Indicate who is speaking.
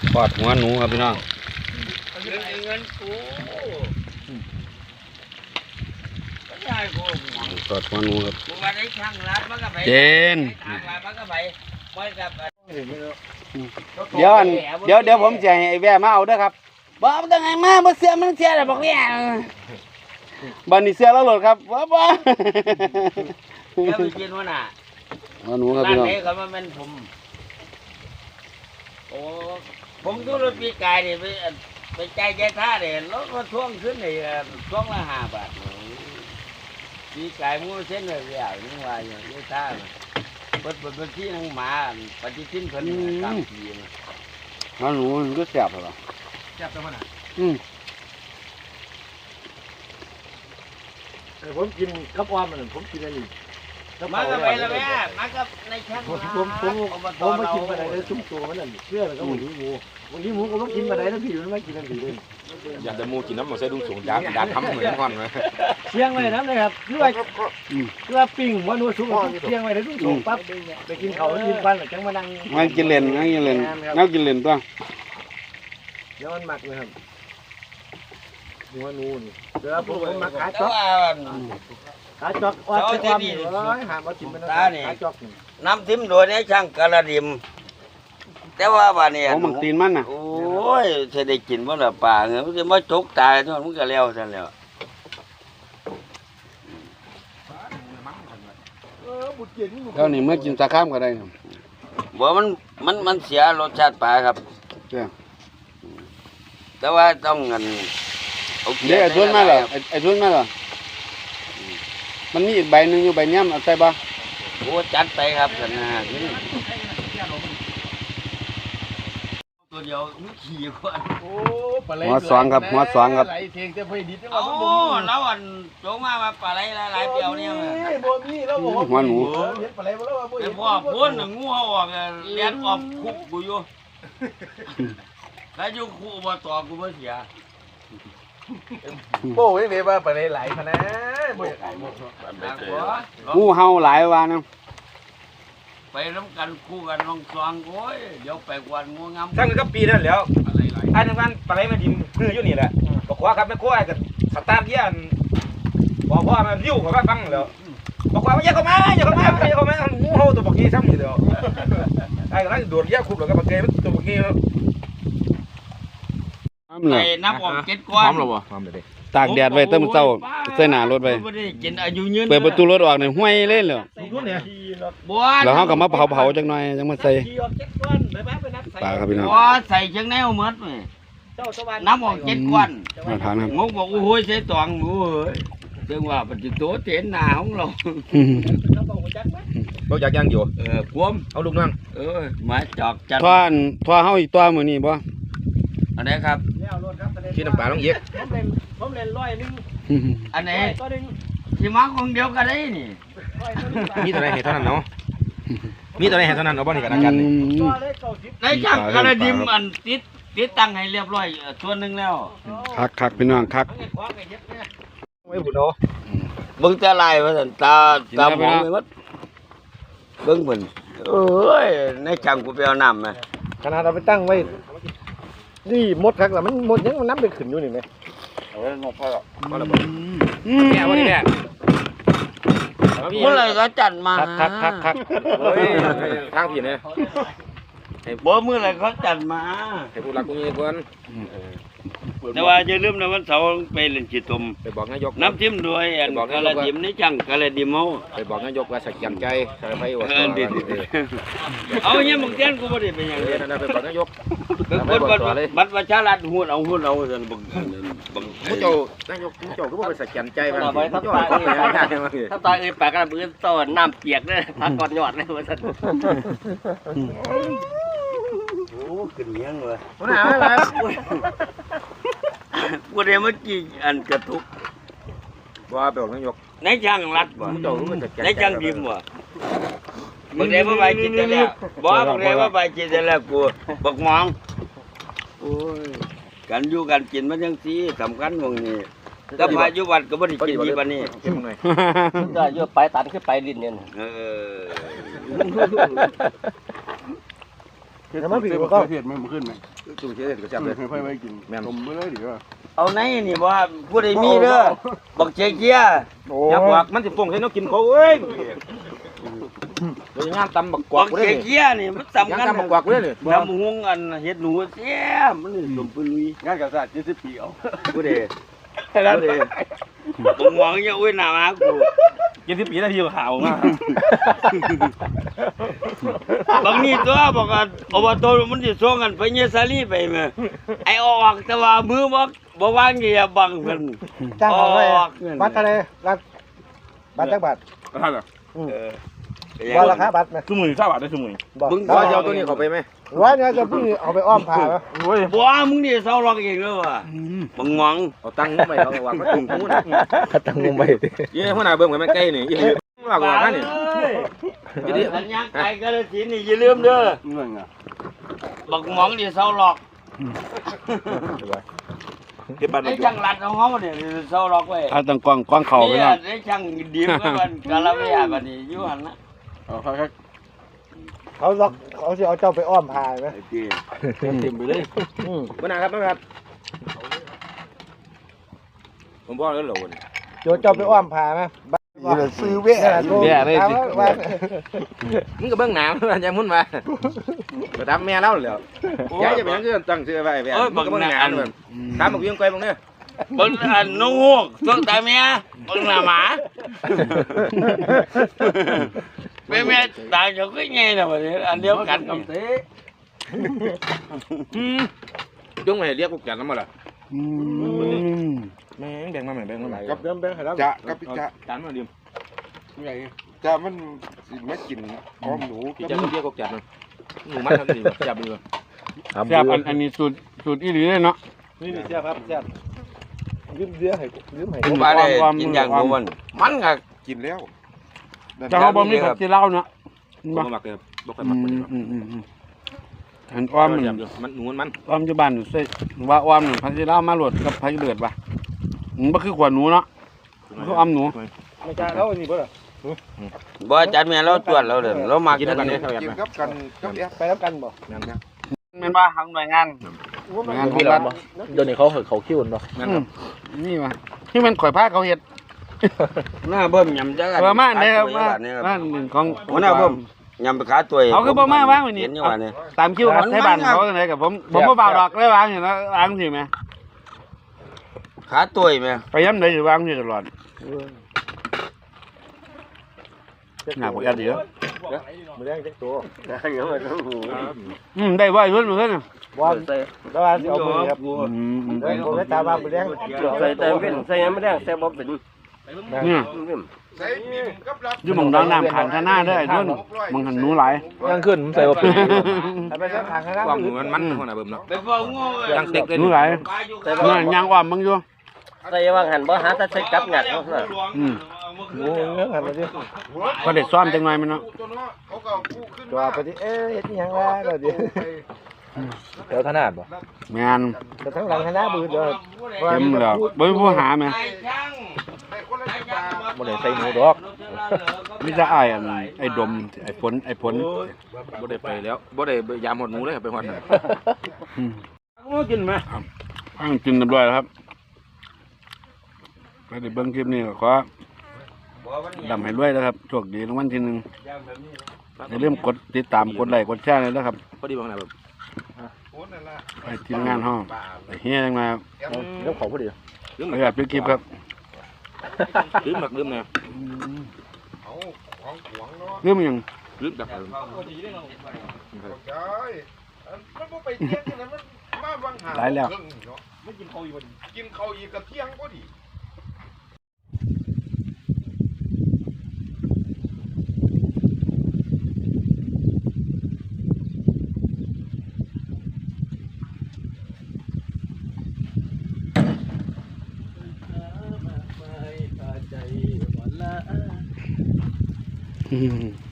Speaker 1: ทอดหัวหนูครับพี่น้อง
Speaker 2: เงินกู
Speaker 1: ทอดหัวหนูครับเจนเดี๋ยวผมจะให้ไอ้แว่มาเอาเด้อครับบอกตั้งไงมาบ่เสียมันเสียแล้วบอกเนี่ยบันนี้เสียแล้วหลดครับว้า
Speaker 2: เดี๋ยวไปกินวะน่ะ
Speaker 1: หัวหนูครับพี่น้อง
Speaker 2: ร้านนี้เขามาเป็นโอ้ผมดูรถปีกายนี่ไปใจท่าเนี่ยรถมาท่วงขึ้นนี่ท่วงละ5 บาทปีกายมูเส้นเลยอย่างนี้ว่าอย่างนี้ท่าเปิดที่นั่งหมาปฏิทินเพิ่นตามทีนะ
Speaker 1: หัวหนูมันก็แซ่บเหรอ
Speaker 3: แซ่บจังมันอ่ะผมกินกับอ้อมมันผมกินอะไร
Speaker 2: มากับไปแล้วแม่มากับในแคมป์
Speaker 3: ผมไม่กินมาไหนเลยชุ่มตัวมันนั่นเชื่อแล้วก็หมูวันนี้หมูก็ต้องกินมาไหนแล้วพี่มันไม่กินอะไรเลย
Speaker 4: อยากจะมูกินน้ำมันใส่ดุ้งสูงดาทำเหมือนกันไหม
Speaker 3: เชียงไว้น้ำเลยครับเลือปิ้งว่านัวสุกเชียงไว้แล้วดุ้งสูงปั๊บไปกินเขากินปันหรือจังมานั่ง
Speaker 1: งั้นกินเล่นตัวเ
Speaker 3: ดี๋ยวมันหมักเลยครับหัวนูนเดี๋ยวผมมาขาจอกว่าจะมีหามากินมันขาจอก
Speaker 2: น้ำทิมโดยนี้ช่างกระดิมแต่ว่าบ้านนี้
Speaker 1: โอ้มันตีนมันน่ะ
Speaker 2: โอ้ยจะได้กินบ่ล่ะป่าเงี้ยมันจะมาจกตายทั้งมันก็แล้วซั่นแล้ว
Speaker 1: แล้วนี่เมื่อกินตะข้ามก็ได้
Speaker 2: บ่มันเสียรสชาติปลาครับแต่ว่าต้องเงิน
Speaker 1: เดี๋ยวไอ้ทุนมาเหรอไอ้ทุนมาเหรอมันมีอีกใบหนึ่งอยู่ใบเนี้ยเอาใส่บ่
Speaker 2: โอ้จัดไปครับท่านนะตัวเดียวมันขี่กว่า
Speaker 1: หัวสองครับ
Speaker 3: ไหลเทียงจะไปดิด
Speaker 2: โอ้แล้วอันโจงมาปลาไหลหลายเปียวเนี่ย
Speaker 3: บ่มีแล้วบ่
Speaker 1: หัวหนู
Speaker 3: เห็นปลาไหลบ่แล้วบ่
Speaker 2: เห็นพ่อพ้นงูเห่าออกเลี้ยงออกคุกกูอยู่แล้วอยู่คุกบ่ต่อกูบ่เสีย
Speaker 3: โบ้ยเดี๋ยวว่าปลาไหลไหลพะนะบ่อยากไหล
Speaker 1: งูเห่าหลายว่านะ
Speaker 2: ไปน้ำกันคู่กันลองซองโอ้ยเดี๋ยวไปกวนงูงาม
Speaker 4: ช่างก็ปีนั่นแล้วไอ้ทั้งนั้นปลาไหลมาดินพื้นอยู่นี่แหละบอกว่าครับแม่โค้ไอ้กับสตาร์ทเยี่ยนบอกว่ามันยิ้วเขาก็ฟังแล้วบอกว่าอย่าเข้ามางูเห่าตัวบักกี้ซ้ำอยู่เดียวไอ้ก็นั่งโดดเยี่ยคุบแล้วก็บักเกย์ตัวบักกี้
Speaker 2: ไอ้นับออก7 ก้อน
Speaker 4: พร้อมหรอวะพร้อมเลย
Speaker 1: ตากแดดไว้เติมเต้าใส่หน้ารถไว้เปิดประตูรถออกเนี่ยห้วยเล่นเลยแล้วเขาก็มาเผาจังหน่อยจังมาใส่ปลาครับพี่น้อง
Speaker 2: ใส่จังแนวหมดเลยนับออก7 ก้อน
Speaker 1: มาทานครับ
Speaker 2: งงบอกโอ้ยใส่ตองหมูเอ้ยจังว่าปัจจุบันเต็นหนาของเรา
Speaker 4: เราอยากย่างอยู่
Speaker 2: กวม
Speaker 4: เอาลูกนั่ง
Speaker 2: มาจอกจัด
Speaker 1: ท่อเฮาอีกตัวมือนี่บ่
Speaker 2: อันไหนครับ
Speaker 4: ที่น้ำปลาต้องเย็บ
Speaker 3: ผมเล่น100
Speaker 2: อันไหนที่มาคนเดียวกันได้นี่
Speaker 4: มีตัวไหนเห็นเท่านั้นเนาะมีตัวไหนเห็นเท่านั้นเอาบ้านนี่กันกัน
Speaker 2: ในช่างกระดิมอันติดตั้งให้เรียบร้อยส่วนหนึ่งแล้ว
Speaker 1: คักพี่น้องคัก
Speaker 4: ไม่บุญเนาะ
Speaker 2: เบิ้งตาลายมาตาหมองไปหมดเบิ้งเหมือนเอ้ยในช่างกูไปเอาน้ำมา
Speaker 3: ขนาดเราไปตั้งไว้นี่มดครับแต่มันมดยังมันน้ำไปขึ้นอยู่นี่ไหม
Speaker 4: เอาไว้งอกพ่อมาแล้วเนี่ยวันนี้เนี่ย
Speaker 2: เมื่อไรก็จัดมา
Speaker 1: คัก
Speaker 4: ทางผิดเนี่ย
Speaker 2: บ่เมื่อไรเขาจัดมา
Speaker 4: ให้ผู้รักผู้นี้ก่อน
Speaker 2: แต่ว่าจะลืมนะวันเสาร์ไปเล่นจิตตม
Speaker 4: ไปบอกนายก
Speaker 2: น้ำจิ้มด้วยกระดิ่มนี่จังกระดิ่มเอา
Speaker 4: ไปบอกนายกว่าสักยันใจใส่ไปว่า
Speaker 2: เอาเนี่ยมึงเต้นกูไม่ได้เป็นอย่างนี้
Speaker 4: นะไปบอกนายก
Speaker 2: บัตรประชารัฐหุ้นเอาจน
Speaker 4: บังผู้เจ้านายกผู้เจ้าก็บอกไปสักยันใจมัน
Speaker 3: ถ้าตายแปลกกันมือต้นน้ำเปียกเลยพักก่อนยอดเลยว่าสัน
Speaker 2: โอ้ขึ้นเงี้ยงเลย
Speaker 3: หนาวอะไร
Speaker 2: กูเดี๋ยวเมื่อกี้อันกระทุก
Speaker 4: ว่าไปบอกนายก
Speaker 2: ในช่างรัดบ่ในช่างดิมบ่บางเดี๋ยวมาไปกินแต่แล้วบ่บางเดี๋ยวมาไปกินแต่แล้วกูบักมองโอ้ยกันอยู่กันกินมันยังสีสำคัญตรงนี้ถ้าพายุวัดก็ไม่ได้กินที่บ้านนี้
Speaker 3: ก็เยอะไปตัดขึ้นไปดินเนี่ย
Speaker 1: แต่มาผิดก็เพียดมันขึ้นไหม
Speaker 4: จุ่มเฉยๆก็จับเลย
Speaker 3: ค่อยไปกินแม่นผมไม่ได้ดีว่า
Speaker 2: เอาไหนนี่บ่ผู้ใดมีเด้อบักเจีย
Speaker 4: อยากบอกมันสิฟงใส่นกกินเขาเอ้ยเดี๋ยวงานตำบักกวั
Speaker 2: บั
Speaker 4: ก
Speaker 2: ก
Speaker 4: เลย
Speaker 2: เจียนี่มันสำ
Speaker 4: งาน
Speaker 2: คัญ
Speaker 4: ตำบักกวักเลย
Speaker 2: ทำหุงอันเฮ็ดหนูเสียมันนี่สมปุลุย
Speaker 3: งานกับศาสตร์70 ปีเอา
Speaker 2: ผู้ใดผู้ใดบ่หวังอย่าอุ้ยหน้ามากู
Speaker 4: 70 ปีแล้วพี่ข่าวมา
Speaker 2: บางนี่ตัวบอกว่าอบตมันสิส่งกันไปเยสาลีไปแม่ไอ้ออกแต่ว่ามือบ่วางอย่าบังเพิ่น
Speaker 3: จ้างเขาไว้บัตรอะไรบัตรจักบาท
Speaker 4: ท่านอ่ะ
Speaker 3: บ่ราคาบัตรไหม
Speaker 4: คือมือ20 บาทได้คือมือ
Speaker 2: มึง
Speaker 4: ว่าจะเอาตัวนี้เข้าไปไหม
Speaker 3: ว่าเนี่ยจะพี่เอาไปอ้อมผ่าไหม
Speaker 4: โอ้ย
Speaker 2: บ่มึงนี่เซาล็อกเองเด้อว่ะบังหวัง
Speaker 4: เอาตังค์ไปเอาวางมาตุ่มหูนะ
Speaker 3: ตั้งงงไป
Speaker 4: ยี่หัวหน้าเบิ่งไว้มันใกล้นี่ยี่ว่าก่อนท่านนี่
Speaker 2: สัญญาไกลกาฬสินธุ์นี่อย่าลืมเด้อ
Speaker 3: เงินอ่ะ
Speaker 2: บักหมองนี่เซาล็อก
Speaker 4: เก็บบัตร
Speaker 2: ไอ้ช่างรัดของเฮาเนี่ยเซาล็อกไว้
Speaker 1: เอาตั้งกว้างเขาไป
Speaker 2: นี่
Speaker 1: เนาะ
Speaker 2: ไอ้ช่างดีมก็มันกาลเวียบัดนี้อยู่หั่นนะ
Speaker 3: เขาล็อกเขาจะเอาเจ้าไปอ้อมผ่าไหม
Speaker 2: ไอ้พี่
Speaker 3: เต็มไปเลย
Speaker 4: หัวหน้าครับครับผมบอกแล้วเหรอวัน
Speaker 3: โจเจ้าไปอ้อมผ่าไหมซื้อเวะ
Speaker 1: แย่เลยสิ
Speaker 4: มึงก็เบิ่งหนาวมันจะมุ่นมาไปตามแม่เล่าแล้วยายจะเป็นยังคือตั้งชื่อไว้แบบมึงก็เบิ่งหนาวเลยตามบอกยังไกลบางเนี่ย
Speaker 2: บังอันน้องฮูกตัวตาแม่บังหน้าหมาแม่ตาเขาก็ไงน่ะบัดนี้อันเดียวกันกับเต้
Speaker 4: จุ้งไปเรียกพวกจันทร์มาละ
Speaker 1: อืม
Speaker 4: แม่แบ่งมาแบ่งมา
Speaker 3: กับเดิมแบงค์ให้เรา
Speaker 5: จะกับจะ
Speaker 4: จานมาเดียว
Speaker 5: จะมันสิไม่กินอ้อมหนู
Speaker 4: พี่จะเรียกพวกจันทร์หนูมันทำดีจับดีกว่า
Speaker 1: แซ่บอันนี้สูตรอีหลีเลยเนาะ
Speaker 3: นี่เสียครับเสียยืมเสียให้ยืมให้
Speaker 2: ผมว่าได้กินอย่างบ่มันก็
Speaker 5: กินแล้ว
Speaker 1: แต่เขาบ่มีผักชีลาวเนาะ
Speaker 4: บ่มักเลยบ่ค่อยมักมัน
Speaker 1: อันอ้อม
Speaker 4: มันหนูมัน
Speaker 1: อ้อมอยู่บ้านใส่ว่าอ้อมผักชีลาวมาโหลดกับผักเดือดว่ะมันบ่คือขวานหนูเนาะคืออ้อมหนู
Speaker 3: ไม่จ้าเขาอันนี้บ่ล่ะ
Speaker 2: บ่จัดแม่เราตรวจเราเด้อเรามา
Speaker 4: กิน
Speaker 2: กัน
Speaker 4: กัน
Speaker 2: นี่
Speaker 4: เนี่ย
Speaker 5: กินกับกันกับแอป
Speaker 3: ไปรับกันบ่
Speaker 1: แม่นว่าทางหน่วยงานงานของรัฐ
Speaker 3: เดี๋ยวนี้เขาคิวเนาะ
Speaker 1: นี่ว่ะที่มันข่อยพาเขาเฮ็ด
Speaker 2: หน้าเบิ่มยำจัก
Speaker 1: ประมาณนี้ครับว่าบ้านของ
Speaker 2: หัวหน้าเบิ่มยำไปขาตัว
Speaker 1: เขาคือบ่มาว่างวันนี้
Speaker 2: เห็นอยู่ว่านี่
Speaker 1: ตามคิวครับให้บ้านเขาจังไดกับผมบ่เบาดอกเลยวางอยู่แล้ววางสิแม่
Speaker 2: ขาตัวแม่
Speaker 1: ไปย้ำใดอยู่วางอยู่ตลอดหน้าบ่ยัดเดียว
Speaker 3: มือแดงจักตัว
Speaker 1: ได้บ่อีเพิ่นเพิ่น
Speaker 3: บ่แล้วว่าสิเอามือครับผมไปตามว่ามือแดง
Speaker 2: ใส่แต่เป็นใส่ยังไม่ได้ใส่บ่เป็น
Speaker 1: นี่
Speaker 5: ใส่กินกับรับ
Speaker 1: อยู่หม่องน้ำขันข้างหน้าเด้อไอ้นุ่นมึงหันหนูหลาย
Speaker 3: ยังขึ้นผมใส่บ่เป็นไปสักทางข้างหน้า
Speaker 4: ความหนูมันหัวหน้าเบิ่มเนาะ
Speaker 2: ไปฟ้องงู
Speaker 4: ตั้งเต็กเลย
Speaker 1: หนูหลายนี่ยางอ้อมมึงอยู่
Speaker 2: ใส่ว่าหันบ่หาแต่ใส่กับหยัดเนาะ
Speaker 3: โอ้เงื้อหันมาดิ
Speaker 1: ก็ได้ซ้อมจังหน่อยมันเนาะ
Speaker 5: ตัวเนาะเขาก็กู้ขึ้น
Speaker 3: จอไปดิเอ๊ะเฮ็ดหยังวะเดี๋ยวดิ
Speaker 6: เดี๋ยวขนาดบ่
Speaker 1: แม่น
Speaker 3: แต่ทั้งหลังข้างหน้าบืดเด้อ
Speaker 1: เต็มแล้วบ่มีผู้หาแม่
Speaker 5: ได้คนละ10 บาท
Speaker 6: บ่ได้ใส่หมูดอก
Speaker 1: มีแต่อ้ายไอ้ดมไอ้ฝน
Speaker 4: บ่ได้ไปแล้วบ่ได้ยามหดหมูเลยไปหอดน่ะ
Speaker 2: กินไหม
Speaker 1: ฟังกินเรียบร้อยแล้วครับก็ได้เบิ่งคลิปนี้ก็ขอดำให้รวยนะครับโชคดีรางวัลที่หนึ่งอย่าลืมกดติดตามกดไลค์กดแชร์เลยนะครับ
Speaker 4: พอดีบ่หัวหน้าเบิ่ม
Speaker 1: ไปทีมงานห้องไปเฮียจังมา
Speaker 3: เรื่องของพอดี
Speaker 1: ไปแบบคลิปครับ
Speaker 4: ลืมหมักลืมนะ
Speaker 5: เอาของหวงเนาะ
Speaker 1: เรื่องยัง
Speaker 4: ลืมดับ
Speaker 5: ใช่มันบ่ไปเที่ยงจังนั้นมันมาบางหาเนาะไม่กินข้าวอีกบ่กินข้าวอีกก็เที่ยงบ่ดิ
Speaker 1: อืม